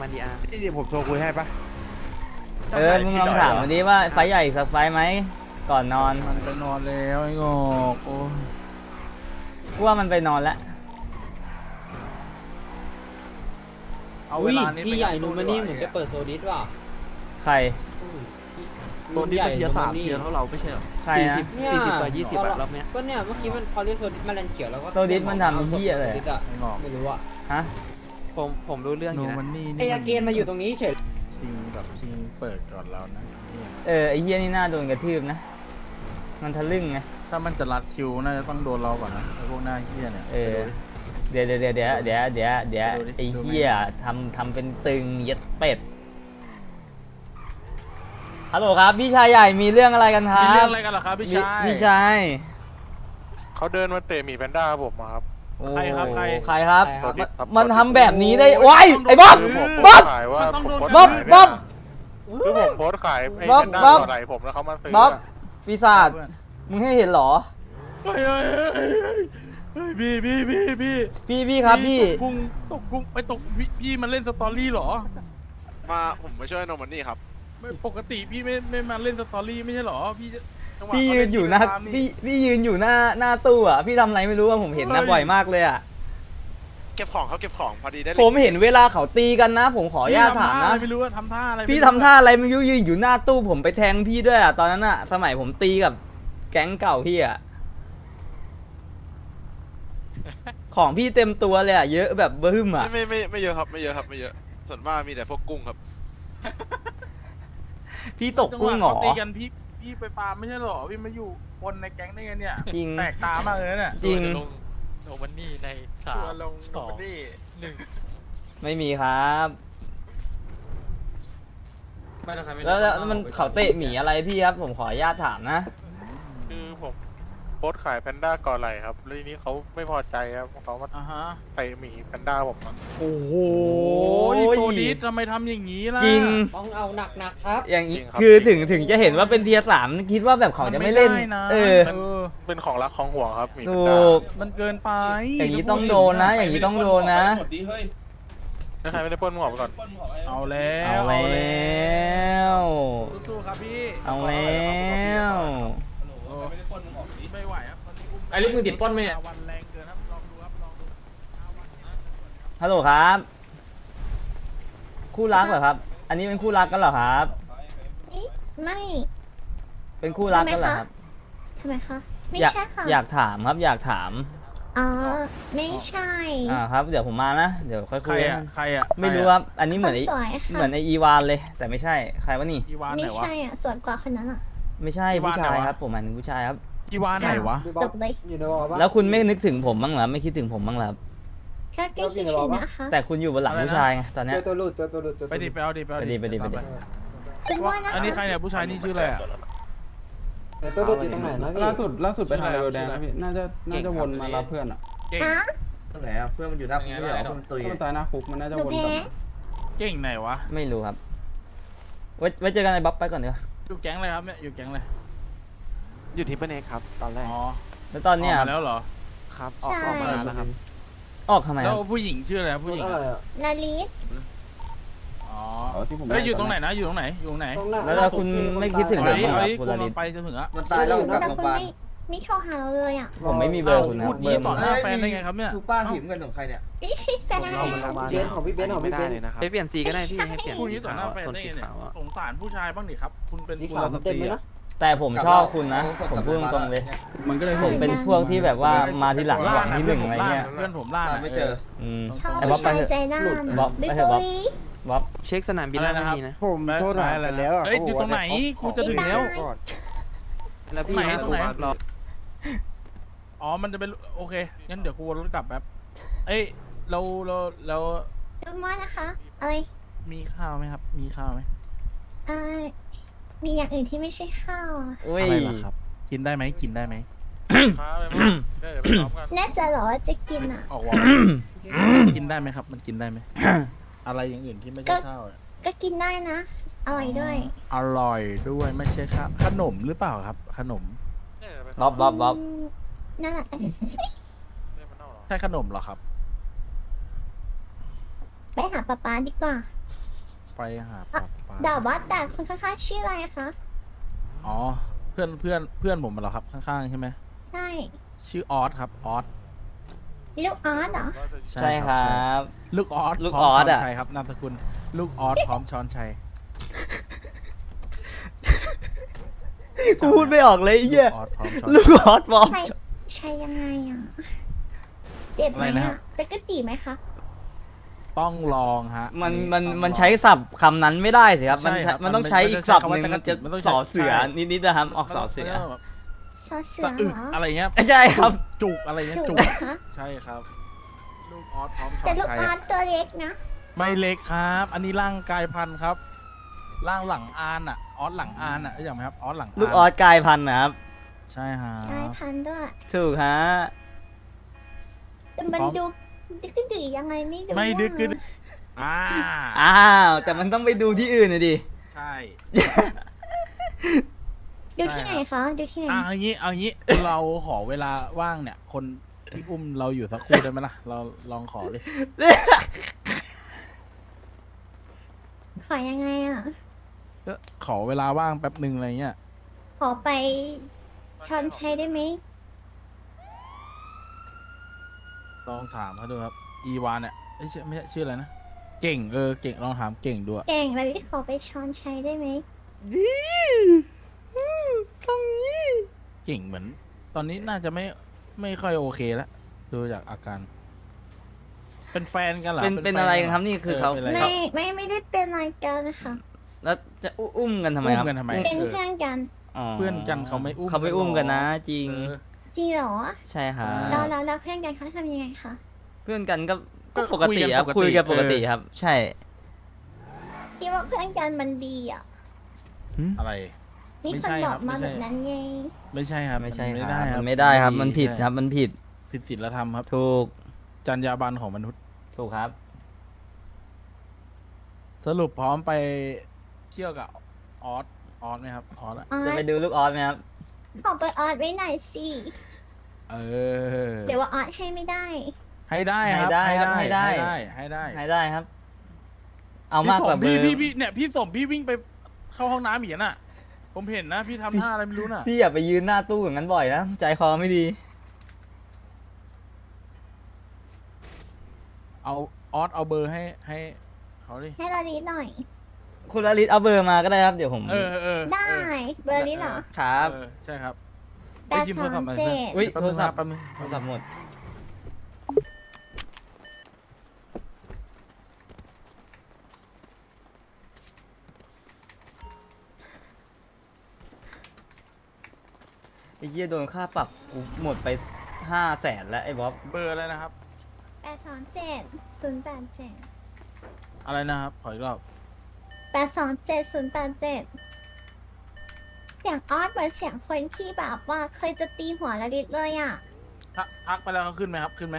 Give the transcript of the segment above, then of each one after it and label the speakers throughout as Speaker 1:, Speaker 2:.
Speaker 1: มาดีอาร์
Speaker 2: นี่ผมโทรคุยให้ปะ
Speaker 3: มึงลองถามวันนี้ว่าไฟใหญ่สักไฟไหมก่อนนอน
Speaker 2: มันไปนอนแล้วไอ้งอกโอ้
Speaker 3: กูว่ามันไปนอนแล้ว
Speaker 2: เอาเวลานี้
Speaker 4: พี่ใหญ่นูมันนี่เหมือนจะเปิดโซดิสว่ะ
Speaker 3: ใคร
Speaker 1: โดนที่เป็นเทียร์3เทียร์เท่าเราไม่ใช่เหรอ
Speaker 3: ใครนะ
Speaker 1: 40 ต่อ 20แบบรอบเนี้ย
Speaker 4: ก็เนี่ยเมื่อกี้มันเขาเรียกโซดิสมาแลนเขียวแล้วก็
Speaker 3: โซดิสมันทำเหี้ยอะไร
Speaker 4: โซดิสอะ
Speaker 2: ไอ้งอก
Speaker 4: ไม่รู้อะ
Speaker 3: ฮะ
Speaker 1: ผมรู้เรื่องอ
Speaker 2: นู
Speaker 1: ยู่นะ
Speaker 2: มันนี่
Speaker 4: ไอ้อาเกนมาอยู่ตรงนี้เฉย
Speaker 2: ชิงเปิดก่อนเรานะเนี่ย
Speaker 3: ไอ้เหี้ยนี่น่าโดนกระทืบนะ มันทะลึ่งไง
Speaker 2: ถ้ามันจะรัดคิวน่าจะต้องโดนเราก่อนนะไอ้พวกหน้าเหี้ยเนี่ย
Speaker 3: เดี๋ยวไอ้เหี้ยทำเป็นตึงเย็ดเป็ดฮัลโหลครับพี่ชายใหญ่มีเรื่องอะไรกันครั
Speaker 2: มีเรื่
Speaker 3: บ
Speaker 2: องอะไรกันเหรอครับพี่ชาย
Speaker 3: พี่ชาย
Speaker 5: เขาเดินมาเตะหมีแพนด้าผมมาครับ
Speaker 3: โอ้
Speaker 2: ใครครับใคร
Speaker 3: ใครครับ
Speaker 5: ตัวดิบครับ
Speaker 3: มันทำแบบนี้ได้ว้ายไอ้บ๊อบ
Speaker 5: คือผม
Speaker 3: บ๊อบ
Speaker 5: ขายว่าผมโพสต์
Speaker 3: บ๊อบ
Speaker 5: ขาย
Speaker 3: บ๊อบ
Speaker 5: คือผมโพสต์ขายไอ้
Speaker 3: บ๊อบ
Speaker 5: แพนด้า
Speaker 3: บ๊อบ
Speaker 5: ตัวไหนผมแล้วเขามาซื้อ
Speaker 3: บ๊อบ
Speaker 5: อะ
Speaker 3: ปีศาจมึงให้เห็นเหรอ
Speaker 2: เฮ้ยพี่
Speaker 3: ครับพี่
Speaker 2: ตกกุ้งไปตกพี่มันเล่นสตอรี่เหรอ
Speaker 6: ผมมาช่วยโนมันนี่ครับ
Speaker 2: ไม่ปกติพี่ไม่มาเล่นสตอรี่ไม่ใช่เหรอพี่จังหวะ
Speaker 3: พี่ยืนอยู่หน้า
Speaker 2: เขาเล่
Speaker 3: พี่ยืนอยู่หน้าตู้อ่ะพี่ทำอะไรไม่รู้อ่ะผมเห็นนะบ่อยมากเลยอ่ะ
Speaker 6: เก็บของเขาเก็บของพอดีได้
Speaker 3: ผมเห็นเวลาเขาตีกันนะ ผมขออนุญาตถามนะ
Speaker 2: ไม่รู้ว่าทำท่าอะไร
Speaker 3: พี่ทำท่าอะไรไม่รู้ยืนอยู่หน้าตู้ผมไปแทงพี่ด้วยอ่ะตอนนั้นอ่ะสมัยผมตีกับแก๊งเก่าพี่อ่ะของพี่เต็มตัวเลยอ่ะเยอะแบบบึ้มอ่ะ
Speaker 6: ไม่เยอะครับไม่เยอะครับไม่เยอะส่วนมากมีแต่พวกกุ้งครับ
Speaker 3: พี่ตกกุ้งเหรอ
Speaker 2: จัหวะเขาตีกันพี่ไปฟาร์มไม่ใช่เหรอพี่มาอยู่คนในแก๊งได้ไงเนี่ย
Speaker 3: จริง
Speaker 2: แตกตามากเลยเนี่ย
Speaker 3: จริง
Speaker 1: โนมันนี่ใน
Speaker 2: ชัวร์ลงโนมันนี่
Speaker 3: ไม่มีครับ
Speaker 4: ไม่ต้องใครไม่
Speaker 3: แล้วมันเขาเตะหมีอะไรพี่ครับผมขออนุญาตถามนะ
Speaker 5: คือผมโพสต์ขายแพนด้าก่อนไหลครับแล้วทีนี้เขาไม่พอใจครับเขามา
Speaker 2: อ่าฮะ
Speaker 5: เตะหมีแพนด้าผมอะ
Speaker 2: โอ้โหโซดิสทำไมทำอย่างนี้ล่ะ
Speaker 3: จริง
Speaker 4: ต้องเอาหนักๆครับ
Speaker 3: อย่างนี้คือถึงจะเห็นว่าเป็นเทียร์3คิดว่าแบบเขาจะไม่เล่น
Speaker 2: ด้นะ
Speaker 5: เป็นของรักของห่วงครับหมีแพ
Speaker 3: ถู
Speaker 5: นด้าก
Speaker 2: มันเกินไป
Speaker 3: อย่างนี้ต้องโดนนะ อย่างนี้ต้องโดนนะ
Speaker 5: ถ้าใครไม่ได้ปล้นมึงออกไปก่อน
Speaker 2: เอาแล้ว
Speaker 3: เอาแล้ว
Speaker 2: สู้ๆครับพี่
Speaker 3: เอาแล้ว
Speaker 2: ไม่ไหวครับตอนนี้อุ้ม
Speaker 4: ไอ้ลิฟต์มึงติดป้นไหมเนี่ย
Speaker 2: วันแรงเกินครับลองดูครับลองดู
Speaker 3: ฮัลโหลครับ คู่รักเหรอครับ อันนี้เป็นคู่รักกันเหรอครับ
Speaker 7: ไม่
Speaker 3: เป็นคู่รักกันเหรอครับ
Speaker 7: ทำไมคะ ไม่
Speaker 3: อยาก
Speaker 7: ใช่ค่ะ
Speaker 3: อยากถามครับอยากถาม
Speaker 7: อ๋อ ไม่ใช่
Speaker 3: ครับเดี๋ยวผมมานะเดี๋ยวค่อย
Speaker 2: ใค
Speaker 3: คุ
Speaker 2: ร
Speaker 3: ย
Speaker 2: อ่ะใครอ่ะ
Speaker 3: ไม่รู้ครับอันนี้เหมือนไอ้
Speaker 7: คนสวยค่ะ
Speaker 3: เหมือนไออีวานเลย แต่ไม่ใช่ใครวะนี่
Speaker 2: อีวานไห
Speaker 7: ไม่
Speaker 2: นวะ
Speaker 7: ใช่อ่ะ สวยกว่าคนนั้นอ่ะ
Speaker 3: ไม่ใช่
Speaker 2: อีวาน
Speaker 3: ผู้ชาย
Speaker 2: ไหนวะ
Speaker 3: ครับผมหมายถึงผู้ชายครับ
Speaker 2: อีวานไหนวะ
Speaker 7: จบเลย
Speaker 3: แล้วคุณไม่นึกถึงผมบ้างเหรอไม่คิดถึงผมบ้างเหรอครับ
Speaker 7: ก็ใกล้ชิดนะคะ
Speaker 3: แต่คุณอยู่บนหลังผู้ชายไงตอนเนี้ย
Speaker 2: ไปดิไปเอาดิไปเอา
Speaker 3: ไปดิไปดิ
Speaker 7: เป็นว่านะคะ
Speaker 2: อันนี้ใครเนี่ยผู้ชายนี่ชื่ออะไรอ่ะ
Speaker 8: ตัวหลุดอยู่ตรงไหนนะพี่
Speaker 9: ล่าสุดไปทางเรือแดงนะพี่ น่าจะวนมารับเพื่อนอ่ะ
Speaker 2: เก่ง
Speaker 7: อ่ะ
Speaker 8: ตรงไหนอ่ะเพื่อนมันอยู่หน้าคุกไม่เหรอมันตุย
Speaker 9: ถ้ามันตายหน้าคุกมันน่าจะ
Speaker 7: หนู
Speaker 9: วน
Speaker 7: แพ้
Speaker 9: กลับมา
Speaker 2: เก่งไหนวะ
Speaker 3: ไม่รู้ครับไว้เจอกันในบ๊อบไปก่อนเดี๋ยวา
Speaker 2: อยู่แก๊งอะไรครับเนี่ยอยู่แก๊งอะไร
Speaker 6: อยู่ที่เปเนครับตอนแรก
Speaker 2: อ๋อ
Speaker 3: แล้วตอนเนี้ย
Speaker 2: กมาแล้วเหรอ
Speaker 6: ครับออกมานานแล้วครับ
Speaker 3: ออกทำไมค
Speaker 2: แล้
Speaker 3: รั
Speaker 2: ว
Speaker 3: บ
Speaker 2: ผู้หญิงชื่ออะไรผู้หญิง
Speaker 8: อะไรอ่ะ
Speaker 7: ลาลิส
Speaker 2: อ๋อ
Speaker 9: ที่ผม
Speaker 2: แล้วอยู่ตรงไหนนะอยู่ตรงไหนอยู่ตรงไหน
Speaker 8: ตรงหน้า
Speaker 3: แล้วคุณไม่คิดถึง
Speaker 2: เอา
Speaker 3: ผม
Speaker 2: ดิ
Speaker 3: บ้างเหร
Speaker 2: เอา
Speaker 3: อ
Speaker 2: ดิ
Speaker 3: คุณ
Speaker 2: กู
Speaker 3: ลาลิ
Speaker 2: ล
Speaker 3: น
Speaker 2: งไปจนถึงอะ
Speaker 8: มันตายแล้วกลับ
Speaker 7: แต่
Speaker 8: โรงพ
Speaker 7: คุ
Speaker 8: ยา
Speaker 7: ณ
Speaker 8: บาล
Speaker 7: ไม่โทรหาเราเลยอ่ะ
Speaker 3: ผมไม่มีเบอร์คุณนะ
Speaker 2: พูด
Speaker 3: เบอ
Speaker 2: ยี่
Speaker 3: ร์ผ
Speaker 2: ต่อ
Speaker 3: ม
Speaker 2: หน้าแฟนได้ไงครับเนี่ย
Speaker 8: ซูเปอร์สีเงินของใครเนี่ย
Speaker 7: ไม่ใช่แฟน
Speaker 8: เบนของพี่เบนของ
Speaker 6: ไม่
Speaker 8: พี่
Speaker 6: ได้
Speaker 8: เบน
Speaker 6: เลยนะครับ
Speaker 1: ให้เปลี่ยนสีก็ได้พี่ให้เปลี่ยน
Speaker 2: พูด
Speaker 1: สี
Speaker 2: ยี่ต่อห
Speaker 1: ขา
Speaker 2: น้าว แฟน
Speaker 1: โทน
Speaker 2: ได้
Speaker 1: สี
Speaker 2: ไงเนี่ย
Speaker 1: ขาวอะ
Speaker 2: สงสารผู้ชายบ้างดิครับ คุณเป็น
Speaker 8: สี
Speaker 2: กุ
Speaker 8: ขา
Speaker 2: ล
Speaker 8: ว
Speaker 2: ส
Speaker 8: เต็
Speaker 2: ต
Speaker 8: ม
Speaker 2: รี
Speaker 8: เลย
Speaker 2: อะ
Speaker 8: นะ
Speaker 3: แต่ผมชอบคุณนะผมพูดตรงๆเลย
Speaker 9: มันก็เลย
Speaker 3: ผมเป็นพวกที่แบบว่ามาทีหลังหวังที่หนึ่งอะไรเงี้ย
Speaker 2: เพื่อนผมล่า
Speaker 8: ไม่เจอ
Speaker 7: ชอบ
Speaker 3: ไอ้บ๊อบ
Speaker 7: ผู้
Speaker 3: ไป
Speaker 7: ชาย
Speaker 3: เถอะ
Speaker 7: ใจด้าน
Speaker 3: บ๊อบ
Speaker 7: บิ๊
Speaker 3: ไป
Speaker 7: ก
Speaker 3: เถอะบ๊อบ
Speaker 7: บุย
Speaker 3: บ๊อบ
Speaker 1: เช็คสนามบินแล้วไม่มีนะ
Speaker 2: ผมโทษหายอะไรแล้วเอ้ยอยู่ตรงไหนกูจะถึงแล้ว
Speaker 1: แล้วพี่
Speaker 2: ตรงไหน
Speaker 1: รอ
Speaker 2: อ๋อมันจะเป็นโอเคงั้นเดี๋ยวกูวนรถกลับแป๊บเอ้ยเรา
Speaker 7: ดูว่านะคะ อะไร
Speaker 2: มีข้าวไหมครับ มีข้าวไหม
Speaker 7: อ่ามีอย่างอื่นที่ไม่ใช่ข้าวอะ
Speaker 3: อุ้ย
Speaker 2: อะไรล่ะครับ กินได้ไหมกินได้ไหม
Speaker 5: มาเลยมั้งเดี๋ยวไปซ้อมกัน
Speaker 7: แน่ใจเหรอว่าจะกินอ่ะ
Speaker 2: ออกวอกินได้ไหมครับ มันกินได้ไหม อะไรอย่างอื่นที่ไม่ใช่ข้าวอะ
Speaker 7: ก็กินได้นะ อร่อยด้วย
Speaker 2: อร่อยด้วยไม่ใช่ข้าวขนมหรือเปล่าครับ ขนม
Speaker 3: บ๊อบบ๊อบบ๊อบ
Speaker 7: นั่นแหละ
Speaker 2: ใช่ขนมเหรอครับ
Speaker 7: ไปหาป๊าป๊าดีกว่า
Speaker 2: ไปหาป๊าป๊า
Speaker 7: แต่ว่าแต่คนข้างๆชื่ออะไรคะ
Speaker 2: อ๋อเพื่อนผมเหรอครับข้างๆใช่ไหม
Speaker 7: ใช่
Speaker 2: ชื่อออสครับออส
Speaker 7: ลูกออสเหรอ
Speaker 3: ใช่ครับ
Speaker 2: ลูกออส
Speaker 3: ลูก
Speaker 2: พร้
Speaker 3: ออส
Speaker 2: ช้น
Speaker 3: อะ
Speaker 2: ชัยครับนามสกุลลูกออสพร้อมช้อนชัย
Speaker 3: กูพูดไม่ออกเลยไอ้เหี้ย
Speaker 2: ลูกออสพร้อมช้อน
Speaker 3: ลูกออสบอม
Speaker 7: ใช่ใช่ยังไงอ่ะเจ็บไหม
Speaker 2: อะไรนะครับ
Speaker 7: อ่ะจะกระจีไหมคะ
Speaker 2: ต้องลองฮะ
Speaker 3: มัน
Speaker 2: ต้องลอง
Speaker 3: มันใช้ศัพท์คำนั้นไม่ได้สิครับ มัน
Speaker 2: ใช่ครับ
Speaker 3: มันต้อง
Speaker 2: มัน
Speaker 3: ใช้
Speaker 2: มัน
Speaker 3: อีก
Speaker 2: จะใช้
Speaker 3: ศัพท์
Speaker 2: คำ
Speaker 3: ห
Speaker 2: ว่า
Speaker 3: นึ่งมันจะ
Speaker 2: มันต้องใช้
Speaker 3: สอเสือ
Speaker 2: ใช่
Speaker 3: นิดๆนะครับออกสอเสือ
Speaker 2: แบบ
Speaker 7: ซอเสือ
Speaker 2: สะอึก
Speaker 7: เหรอ
Speaker 2: อะไรเงี้ย
Speaker 3: ใช่ครับ
Speaker 2: จุกอะไรเงี้ย
Speaker 7: จุ
Speaker 2: จุ
Speaker 7: ก
Speaker 2: ก
Speaker 7: นะคะ
Speaker 2: ใช่ครับ ลูกออสพร้อมช้อ
Speaker 7: แต่
Speaker 2: น
Speaker 7: ลูก
Speaker 2: ชัย
Speaker 7: ออสตัวเล็กนะ
Speaker 2: ไม่เล็กครับ อันนี้ร่างกายพันธุ์ครับร่างหลังอานอ่ะออสหลังอานอ่ะรู้จักไหมครับออสหลังาน
Speaker 3: ลูกออสกลายพันธุ์นะครับ
Speaker 2: ใช่ฮะ
Speaker 7: กลายพันธุ์ด้วย
Speaker 3: ถูกฮะ
Speaker 7: แต่มัน
Speaker 2: พร้อม
Speaker 7: ดูดึกดื้อยังไงไม่รู้
Speaker 2: ไม่ดึก
Speaker 7: อะ
Speaker 2: กึดอ่า
Speaker 3: อ้าว แต่มันต้องไปดูที่อื่นนะดิ
Speaker 2: ใช่
Speaker 7: ดูที่ไหนคะดูที่ไหน
Speaker 2: เอางี้ เราขอเวลาว่างเนี่ย คนที่อุ้มเราอยู่สักครู่ได้ไหมล่ะ เราลองขอเลย
Speaker 7: ขอยังไงอ่ะ
Speaker 2: ก็ขอเวลาว่างแป๊บหนึ่งอะไรเงี้ย
Speaker 7: ขอไปช้อนชัยได้ไหม
Speaker 2: ลองถามเขาดูครับ อีวานเนี่ยเอ้ยไม่ใช่ชื่ออะไรนะ เก่งเก่งลองถามเก่งดูอะ
Speaker 7: เก่งเลยขอไปช้อนชัยได้ไหม
Speaker 3: ตรงนี้
Speaker 2: เก่งเหมือน ตอนนี้น่าจะไม่ค่อยโอเคแล้วดูจากอาการ เป็นแฟนกันเหรอ
Speaker 3: เป็น
Speaker 2: แฟ
Speaker 3: อะไร
Speaker 2: ห
Speaker 3: กันครับนี่คือเขา
Speaker 2: ป็นอะไร
Speaker 7: ไม่ได้เป็นรายการนะคะ
Speaker 3: แล้วจะอุ้มกันทำไมครับ
Speaker 2: อุ้มกันทำไม
Speaker 7: เป็นเพื่อนกัน
Speaker 2: เพื่อนกันเขาไม่อุ้ม
Speaker 3: เขาไม่อุ้มกันนะ จริง
Speaker 2: เออ
Speaker 7: จริงเหรอ
Speaker 3: ใช่ครับ
Speaker 7: แล้วเพื่อนกันเขาทำยังไงคะ
Speaker 3: เพื่อนกันก็
Speaker 2: ก็
Speaker 3: ปกติครับ
Speaker 2: คุ
Speaker 3: คุย
Speaker 2: ยกั
Speaker 3: กัน
Speaker 2: น
Speaker 3: ป
Speaker 2: ป
Speaker 3: ก
Speaker 2: กติ
Speaker 3: ติครับ ใช่
Speaker 7: คิดว่าเพื่อนกันมันดีอ่ะ
Speaker 2: อะไร
Speaker 7: มี
Speaker 2: ไม่
Speaker 7: คน
Speaker 2: ใช่
Speaker 7: บ
Speaker 2: ค
Speaker 7: อ
Speaker 2: รั
Speaker 7: ก
Speaker 2: บ
Speaker 7: มา
Speaker 2: ไม่
Speaker 7: แบ
Speaker 2: ใช่
Speaker 7: บนั้นไง
Speaker 2: ไม่ใช่ครับ
Speaker 3: ไม่ใช่
Speaker 2: น
Speaker 3: ครับ
Speaker 2: ได้ครับ
Speaker 3: มันไม่ได้ครับ มันผิดครับ มันผิด
Speaker 2: ผิดศีลธรรมครับ
Speaker 3: ถูก
Speaker 2: จรรยาบรรณของมนุษย์
Speaker 3: ถูกครับ
Speaker 2: สรุปพร้อมไปเที่ยวกับออสไหมครับออสอะ
Speaker 7: ออ
Speaker 3: จะ
Speaker 7: ส
Speaker 3: ไปดูลูกออสไหมครับ
Speaker 7: ขอเบอร์ออสไว้หน่อยสิ
Speaker 2: เออ
Speaker 7: เดี๋ยวว่าออสให้ไม่ได้
Speaker 2: ให้ได้ครับ
Speaker 3: ให้ได้ครับให้ได้
Speaker 2: ให้ได้
Speaker 3: ให้ได้ครับ เอามากกว่าเบอ
Speaker 2: พี่
Speaker 3: ร์
Speaker 2: พี่เนี่ยพี่สมพี่วิ่งไปเข้าห้องน้ำอีกน่ะ ผมเห็นนะ พี่ทำท่าอะไรไม่รู้น่ะ
Speaker 3: พี่อย่าไปยืนหน้าตู้อย่างนั้นบ่อยนะ ใจคอไม่ดี
Speaker 2: เอาออสเอาเบอร์ให้เขาดิ
Speaker 7: ให้เราดีหน่อย
Speaker 3: คุณลลิตเอาเบอร์มาก็ได้ครับ เดี๋ยวผม
Speaker 7: ได้ เบอร์นี้เหรอ
Speaker 3: ครับ
Speaker 2: ใช่ครับ
Speaker 7: แปดสามเจ็ด
Speaker 3: อุ๊ยโทรศัพท์
Speaker 2: แป๊บนึง
Speaker 3: โทรศัพท์หมด ไอ้เหี้ยโดนค่าปรับกูหมดไป500,000แล้วไอ้บ๊อบ
Speaker 2: เบอร์อะไรนะครับ
Speaker 7: 827-087
Speaker 2: อะไรนะครับขออีกรอบ
Speaker 7: 827-087 เสียงออสเหมือนเสียงคนที่แบบว่าเคยจะตีหัวละลิตเลยอ่ะ
Speaker 2: ทักไปแล้วเขาขึ้นไหมครับขึ้นไหม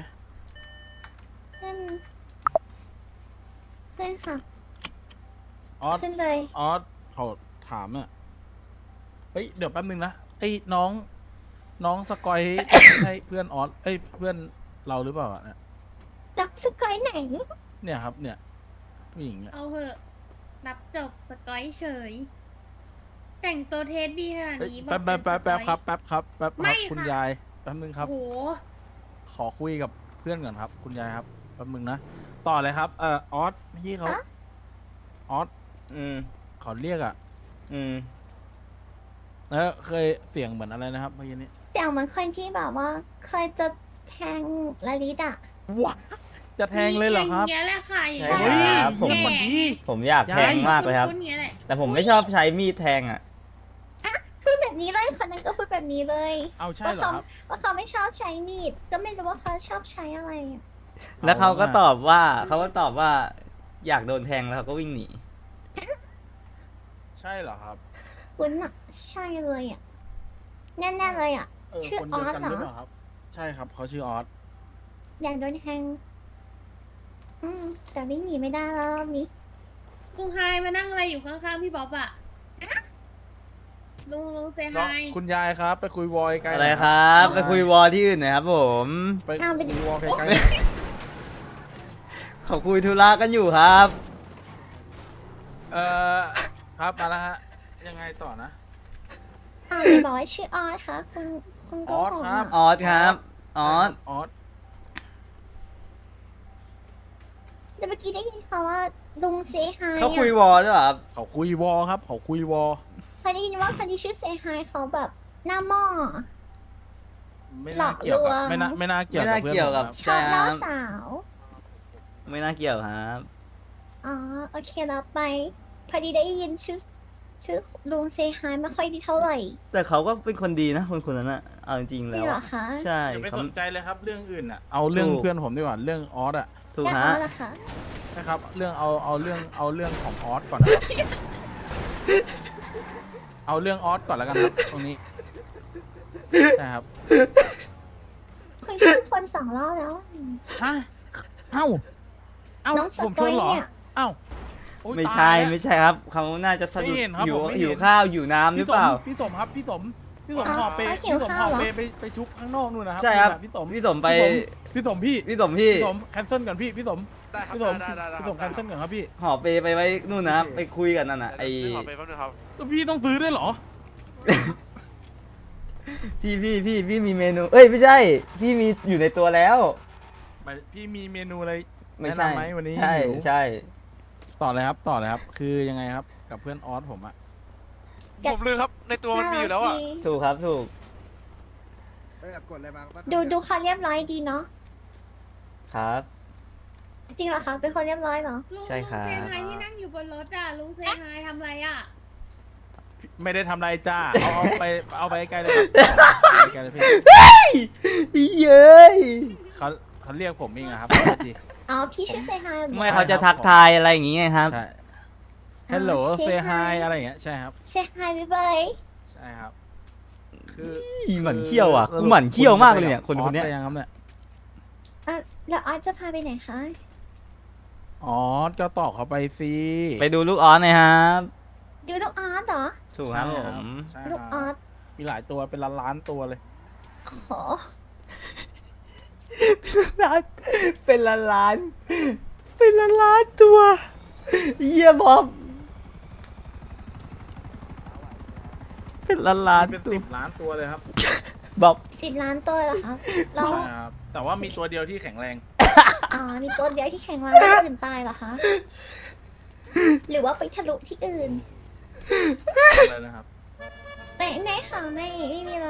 Speaker 7: ขึ้นค่ะ
Speaker 2: ออส
Speaker 7: ขึ้นเลย
Speaker 2: ออสเขาถามอ่ะเฮ้ยเดี๋ยวแป๊บนึงนะไอ้น้องสกอย ใช่เพื่อนออสเพื่อนเราหรือเปล่าเนี่ย
Speaker 7: ดักสกอยไหน
Speaker 2: เนี่ยครับเนี่ยผู้หญิงเนี่ย
Speaker 10: เอาเหอะนับจบสกอยเฉย แต่งตัวเทสดีขนาด
Speaker 2: เอ้ย
Speaker 10: นี้
Speaker 2: แป๊บ
Speaker 10: เป็นสกอย
Speaker 2: ครับแป๊บครับ
Speaker 10: ไม่ค่ะ
Speaker 2: คุณยายแป๊บนึงครับ
Speaker 10: โอ้โห
Speaker 2: ขอคุยกับเพื่อนก่อนครับ คุณยายครับแป๊บนึงนะต่อเลยครับออสพี่เขา
Speaker 7: อะ
Speaker 2: ออส
Speaker 3: อืม
Speaker 2: เขาเรียกอ่ะ
Speaker 3: อืม
Speaker 2: แล้วเคยเสียงเหมือนอะไรนะครับเมื่อกี้นี้
Speaker 7: เสียงเหมือนคนที่แบบว่าเคยจะแทงละลิตอ่ะ
Speaker 2: ว้าจะแทงเลยเหรอครับ
Speaker 10: มีอย่างเงี้ยแหละค่ะ
Speaker 3: ใช่
Speaker 2: เฮ้ย
Speaker 3: ครับผม
Speaker 2: เงียบก่อนดี
Speaker 3: ผมอยากแทงมากเลยครับ
Speaker 10: ณๆเงี้ยแหละ
Speaker 3: แต่ผมไม่ชอบใช้มีดแทงอ่ะ
Speaker 7: พูดแบบนี้เลยคนนั้นก็พูดแบบนี้เลย
Speaker 2: เอาใช่เหรอครับ
Speaker 7: ว่าเขาไม่ชอบใช้มีด ก็ไม่รู้ว่าเขาชอบใช้อะไรอะ
Speaker 3: แล้วเขาก็ตอบว่าอยากโดนแทงแล้วเขาก็วิ่งหนี
Speaker 2: ใช่เหรอครับ
Speaker 7: คุณอ่ะ ใช่เลยอ่ะ แน่ๆเลยอ่ะ ชื่อ
Speaker 2: คนเดียวกัน
Speaker 7: ออสเหรอ
Speaker 2: หรือเปล่าครับ ใช่ครับเขาชื่อออส
Speaker 7: อยากโดนแทง แต่วิ่งหนีไม่ได้แล้วรอบนี้
Speaker 10: ลุงไฮมานั่งอะไรอยู่ข้างๆพี่บ๊อบอะลุงเซ
Speaker 2: น้
Speaker 10: ไฮ
Speaker 2: องคุณยายครับ ไปคุยวอยไกล
Speaker 3: อะไรครับ ไปคุยวอลที่อื่นหน่อยครับผม
Speaker 2: ไป
Speaker 7: เอาไปดิ
Speaker 2: คุยวอลไกล
Speaker 3: เขาคุยธุระกันอยู่ครับ
Speaker 2: ครับมาแล้วฮะยังไงต่อนะ
Speaker 7: ไหนบอกว่าชื่อออสคะคุณโก็
Speaker 2: ออส
Speaker 7: ผม
Speaker 2: ครับ
Speaker 3: ออสครับออส
Speaker 2: ออส
Speaker 7: แล้วเมื่อกี้ได้ยินเขาว่าลุงเซฮาย
Speaker 3: เขาคุยวอลด้วยเหรอครับ
Speaker 2: เขาคุยวอครับเขาคุยวอ
Speaker 7: เคยได้ยินว่าคนที่ชื่อเซฮายเขาแบบหน้าหม้อ
Speaker 2: ไม่น่าเกี่ยวกับ
Speaker 7: หลอกลวง
Speaker 2: ไม่น่าเกี่ยว
Speaker 3: ไม่น่า
Speaker 2: กับเพื่อน
Speaker 3: เกี่ยวกับ
Speaker 2: ผม
Speaker 7: ชอบล่อ
Speaker 3: ใช่ครับ
Speaker 7: สาว
Speaker 3: ไม่น่าเกี่ยวครับ
Speaker 7: อ๋อโอเคแล้วไป พอดีได้ยินชื่อลุงเซฮายไม่ค่อยดีเท่าไหร่
Speaker 3: แต่เขาก็เป็นคนดีนะคนนั้นอะเอาจริงๆ
Speaker 7: จ
Speaker 3: แล้
Speaker 7: ริง
Speaker 3: ว
Speaker 7: เหรอ
Speaker 3: อะ
Speaker 7: คะ
Speaker 3: ใช่
Speaker 2: อย่าไป
Speaker 3: เขา
Speaker 2: สนใจเลยครับเรื่องอื่นอ่ะเอาเรื่อง
Speaker 3: ถูก
Speaker 2: เพื่อนผมดีกว่าเรื่องออสอ่ะ
Speaker 3: ถูก
Speaker 7: แล้ว
Speaker 3: ฮะ
Speaker 7: ออสล่ะคะ
Speaker 2: นะครับเรื่องเอาเรื่องของออสก่อนนะครับ เอาเรื่องออสก่อนแล้วกันครับตรงนี้ใช่ครับ
Speaker 7: คุณชื่อคนสองรอบแล้ว
Speaker 2: ฮะเอ้า
Speaker 7: น้องส
Speaker 2: ผม
Speaker 7: ก
Speaker 2: ช
Speaker 7: อน ย
Speaker 2: เหรอ
Speaker 7: เนี่ย
Speaker 2: เอ้าโอ๊ย
Speaker 3: ไม่ใช่
Speaker 2: ตายแล้ว
Speaker 3: ไม่ใช่ครับเขาน่าจะสะดุด
Speaker 2: ไม่เห็นครับ
Speaker 3: หิว
Speaker 2: ผมไม่เห็น
Speaker 3: หิวข้าวหิวน้ำหรือเปล่า
Speaker 2: พี่สมครับพี่สมหอบเป
Speaker 7: เขาหิ
Speaker 2: พี่
Speaker 7: ว
Speaker 2: สม
Speaker 7: ข้า
Speaker 2: ห
Speaker 7: ว
Speaker 2: อบ
Speaker 7: เหรอ
Speaker 2: เปไปชุบข้างนอกนู่นนะครับ
Speaker 3: ใช่ครับ
Speaker 2: พี่สม
Speaker 3: พี่สมไป
Speaker 2: พี่สมพี่
Speaker 3: พี่สมพี่
Speaker 2: พี่สมแคนเซิลก่อนพี่สม
Speaker 6: ได้ครับ
Speaker 2: พี่สม
Speaker 6: ได้
Speaker 2: พี่
Speaker 6: ค
Speaker 2: ส
Speaker 6: รับ
Speaker 2: มแคนเซิลก่อนครับพี่
Speaker 3: ห่อเปไปไว้นู่นนะไปคุยกันนั่นน่ะไอ
Speaker 6: ซื้อขอไปแป๊บนึงครับ
Speaker 2: แล้วพี่ต้องซื้อด้วยเหรอ
Speaker 3: พี่มีเมนู เอ้ยไม่ใช่ พี่มีอยู่ในตัวแล้ว
Speaker 2: พี่มีเมนูอะไร
Speaker 3: ไม่
Speaker 2: แนะ
Speaker 3: ใช่
Speaker 2: นำไหมวันนี้
Speaker 3: ใช่
Speaker 2: หิว
Speaker 3: ใช่
Speaker 2: ต่อเลยครับคือยังไงครับกับเพื่อนออสผมอะ
Speaker 6: ผมลืมครับ ในตัวมันมีอยู่แล้วอ่ะ
Speaker 3: ถูกครับถูก
Speaker 7: ดูเขาเรียบร้อยดีเนาะ
Speaker 3: ครับ
Speaker 7: จริงเหรอคะเป็นคนเรียบร้อยเหรอ
Speaker 10: ลุง
Speaker 3: ใช่ครับ
Speaker 10: เซฮายที่นั่งอยู่บนรถอ่ะ ลุงเซฮายทำอะไรอ่ะ
Speaker 2: ไม่ได้ทำอะไรจ้าเอาไปไกลเลยครับไปไกลเลยพี่
Speaker 3: เย้ย
Speaker 2: เขาเรียกผมเองอะครับที
Speaker 7: อ๋อพี่ชื่อเซฮายเหรอ
Speaker 3: ไม่เขาจะทักทายอะไรอย่างงี้ไงครับ
Speaker 2: ใช่ Hello
Speaker 7: say
Speaker 2: say
Speaker 7: hi
Speaker 2: hi อะไรอย่างเงี้ยใช่ครับ
Speaker 7: เซฮายบ๊ายบาย
Speaker 2: ใช่ครับ คือ
Speaker 3: หมั่นเขี้ยวอ่ะกูหมั่นเขี้ยวมากเลยเนี่ยคนเนี้ย
Speaker 2: ออสไปยังครับเนี่ย
Speaker 7: แล้วออสจะพาไปไหนคะ
Speaker 2: อ๋อก็ตอกเขาไปสิ
Speaker 3: ไปดูลูกออสหน่อยครับ
Speaker 7: ดูลูกออสเหรอ
Speaker 3: ถูกครับผม
Speaker 2: ใช่
Speaker 7: ลูก
Speaker 2: ค
Speaker 7: อ
Speaker 2: รั
Speaker 7: อบ ส
Speaker 2: มีหลายตัวเป็นล้านๆตัวเลย
Speaker 7: โอ้
Speaker 3: เป็นล้านเป็นล้านตัวเยี่ยบอบเป็นล้าน
Speaker 2: เป็น
Speaker 3: ตัว
Speaker 2: 10 ล้านตัวเลยครับ
Speaker 3: บ๊อบ
Speaker 7: 10 ล้านตัวเหรอคะแล้ว
Speaker 2: ใช่ครับแต่ว่ามีตัวเดียวที่แข็งแรง
Speaker 7: อ๋อมีตัวเดียวที่แข็งแรงแล้วอื่นตายเหรอคะ หรือว่าไปทะลุที่อื่น
Speaker 2: เลยนะครับ
Speaker 7: ในข่าวไม่มีอะไร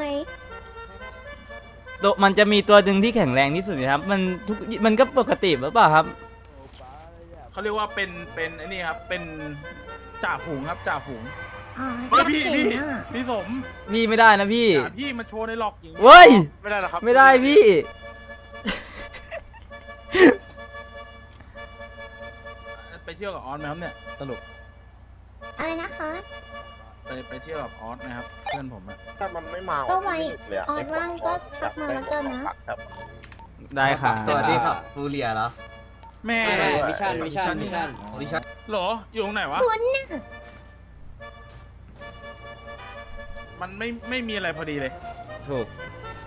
Speaker 3: ตัวมันจะมีตัวหนึ่งที่แข็งแรงที่สุดนะครับ มันก็ปกติหรือเปล่าครับ
Speaker 2: เขาเรียกว่าเป็นไอ้นี่ครับเป็นจ่าฝูงครับจ่าฝูง
Speaker 7: อ๋อ
Speaker 2: เฮ้ย
Speaker 7: อยาก
Speaker 2: พี่
Speaker 7: เห็นอะ
Speaker 2: พี่สม
Speaker 3: พี่ไม่ได้นะพี่
Speaker 2: อย่าพี่มาโชว์ในหลอกอย่างนี้
Speaker 3: เว้ย
Speaker 6: ไม่ได้หรอกครับ
Speaker 3: ไม่ได้พี่
Speaker 2: ไปเที่ยวกับออสไหมครับเนี่ยสรุป
Speaker 7: อะไรนะคะ
Speaker 2: ไปเที่ยวกับออสไหมครับเพื่อนผมอะ
Speaker 5: ถ้ามันไม่มา
Speaker 7: ก็ไว้ออสว่างก็ทักมาแล้วกันนะ
Speaker 3: ได้ค่ะ
Speaker 8: สวัสดีครับฟูเรียเหรอ
Speaker 2: แม่
Speaker 4: มิชชั่น
Speaker 2: เหรออยู่ตรงไหนวะ
Speaker 7: คุณน่ะ
Speaker 2: มันไม่มีอะไรพอดีเลย
Speaker 3: ถูก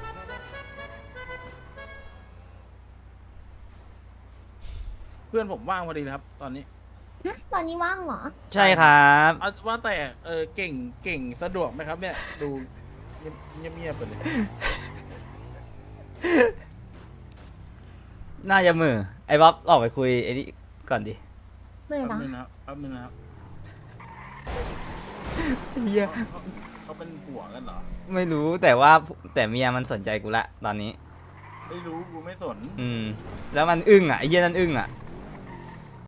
Speaker 2: เพื่อนผมว่างพอดีเลยครับ ตอนนี้
Speaker 7: ตอนนี้ว่างเหรอ
Speaker 3: ใช่ครับ
Speaker 2: เอาว่าแต่เก่งสะดวกไหมครับเนี่ย ดูเงียบๆไปเลย
Speaker 3: น่าจะมือไอ้บ๊อบออกไปคุยไอ้นี่ก่อนดิ
Speaker 7: เมื่อ
Speaker 2: แป๊บ
Speaker 7: เหรอ
Speaker 2: นึงนะครับแป๊บนึงนะครับ
Speaker 3: เหี้ย
Speaker 2: เขาเป็นผัวกันเหรอ
Speaker 3: ไม่รู้แต่ว่าแต่เมียมันสนใจกูละตอนนี้
Speaker 2: ไม่รู้กูไม่สน
Speaker 3: แล้วมันอึ้งอ่ะไอ้เหี้ยนั่นอึ้งอ่ะ